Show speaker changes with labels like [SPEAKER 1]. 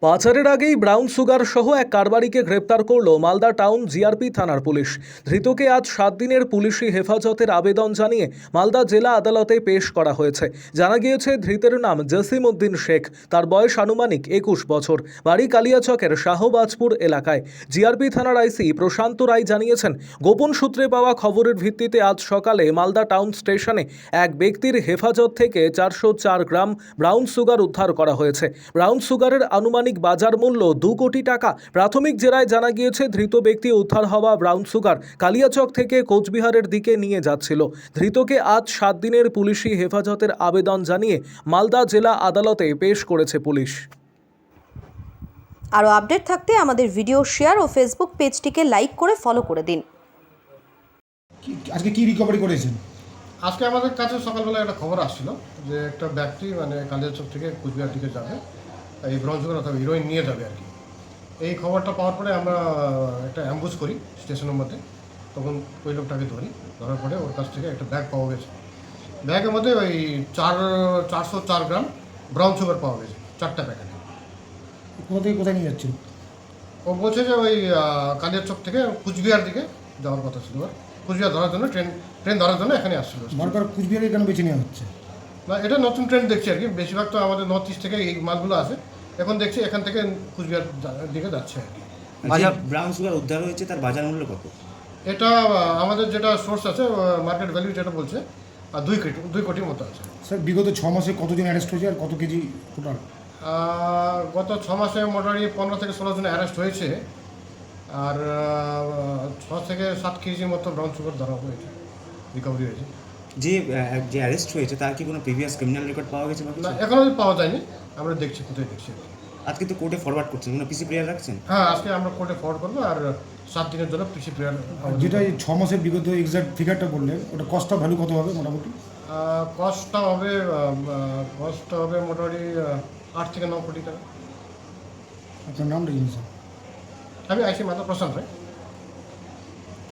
[SPEAKER 1] পাচারের আগেই brown sugar সহ এক কারবারিকে গ্রেপ্তার করল মালদা টাউন জিআরপি থানার পুলিশ। ধৃতকে আজ 7 দিনের পুলিশি হেফাজতের আবেদন জানিয়ে মালদা জেলা আদালতে পেশ করা হয়েছে। জানা গিয়েছে, ধৃতের নাম জসিম উদ্দিন শেখ। তার বয়স আনুমানিক 21 বছর। বাড়ি কালিয়াচকের শাহবাজপুর এলাকায়। জিআরপি থানার আইসি প্রশান্ত রায় জানিয়েছেন, গোপন সূত্রে পাওয়া খবরের ভিত্তিতে আজ সকালে মালদা টাউন স্টেশনে এক ব্যক্তির হেফাজত থেকে 404 গ্রাম ব্রাউন সুগার উদ্ধার করা হয়েছে। ব্রাউন সুগারের আনুমানিক বাজার মূল্য 2 কোটি টাকা। প্রাথমিক জেরায় জানা গিয়েছে, ধৃত ব্যক্তি উদ্ধার হওয়া ব্রাউন সুগার কালিয়াচক থেকে কোচবিহারের দিকে নিয়ে যাচ্ছিল। ধৃতকে আজ 7 দিনের পুলিশি হেফাজতের আবেদন জানিয়ে মালদা জেলা আদালতে পেশ করেছে পুলিশ।
[SPEAKER 2] আরও আপডেট থাকতে আমাদের ভিডিও শেয়ার ও ফেসবুক পেজটিকে লাইক করে ফলো করে দিন।
[SPEAKER 3] আজকে কি রিকভারি করেছেন?
[SPEAKER 4] আজকে আমাদের কাছে সকালবেলা একটা খবর আসছিল যে একটা ব্যক্তি কালিয়াচক থেকে কুচবিহার দিকে যাবে, এই ব্রাউন সুগার অথবা হিরোইন নিয়ে যাবে আর কি। এই খবরটা পাওয়ার পরে আমরা একটা অ্যাম্বুশ করি স্টেশনের মধ্যে। তখন ওই লোকটাকে ধরার পরে ওর কাছ থেকে একটা ব্যাগ পাওয়া গেছে। ব্যাগের মধ্যে ওই 404 গ্রাম ব্রাউন সুগার পাওয়া গেছে, 4টা প্যাকেটে।
[SPEAKER 3] কোথা থেকে কোথায় নিয়ে যাচ্ছেন?
[SPEAKER 4] ও বলছে যে ওই কালিয়াচক থেকে কুচবিহার দিকে যাওয়ার কথা ছিল। কুচবিহার ধরার জন্য ট্রেন ধরার জন্য এখানে আসছিল।
[SPEAKER 3] বারবার কুচবিহারে কেন বেছে নেওয়া হচ্ছে?
[SPEAKER 4] না, এটা নতুন ট্রেন্ড দেখছি আর কি। বেশিরভাগ তো আমাদের নর্থ ইস্ট থেকে এই মালগুলো আসে। এখন দেখছি এখান থেকে কুচবিহার দিকে যাচ্ছে আর কি।
[SPEAKER 5] বাজার ব্রাউন সুগার উদ্ধার হয়েছে, তার বাজার মূল্য কত?
[SPEAKER 4] এটা আমাদের যেটা সোর্স আছে, মার্কেট ভ্যালু যেটা বলছে 2 কোটির মতো আছে।
[SPEAKER 3] স্যার, বিগত 6 মাসে কতজন অ্যারেস্ট হয়েছে আর কত কেজি টোটাল?
[SPEAKER 4] গত 6 মাসে মোটামুটি 15 থেকে 16 জন অ্যারেস্ট হয়েছে। আর 6 থেকে 7 কেজির মতো ব্রাউন সুগার ধরা হয়েছে, রিকভারি হয়েছে।
[SPEAKER 5] যে অ্যারেস্ট হয়েছে তার কি কোনো প্রিভিয়াস ক্রিমিনাল রেকর্ড পাওয়া গেছে?
[SPEAKER 4] না, এখনও পাওয়া যায়নি। আমরা দেখছি, কোথায় দেখছি।
[SPEAKER 5] আজকে তো কোর্টে ফরওয়ার্ড করছেন, কোনো পিসি প্রেয়ার রাখছেন?
[SPEAKER 4] হ্যাঁ, আজকে আমরা কোর্টে ফরওয়ার্ড করবো আর 7 দিনের জন্য পিসি প্রেয়ার।
[SPEAKER 3] যেটা এই 6 মাসের বিগত এক্সাক্ট ফিগারটা বললেন, ওটা কস্টটা ভ্যালু কত হবে মোটামুটি?
[SPEAKER 4] কস্টটা হবে মোটামুটি 8 থেকে 9 কোটি টাকা।
[SPEAKER 3] আপনার নাম রেখেছেন স্যার?
[SPEAKER 4] আমি আইসি মাতা প্রশান্ত রায়।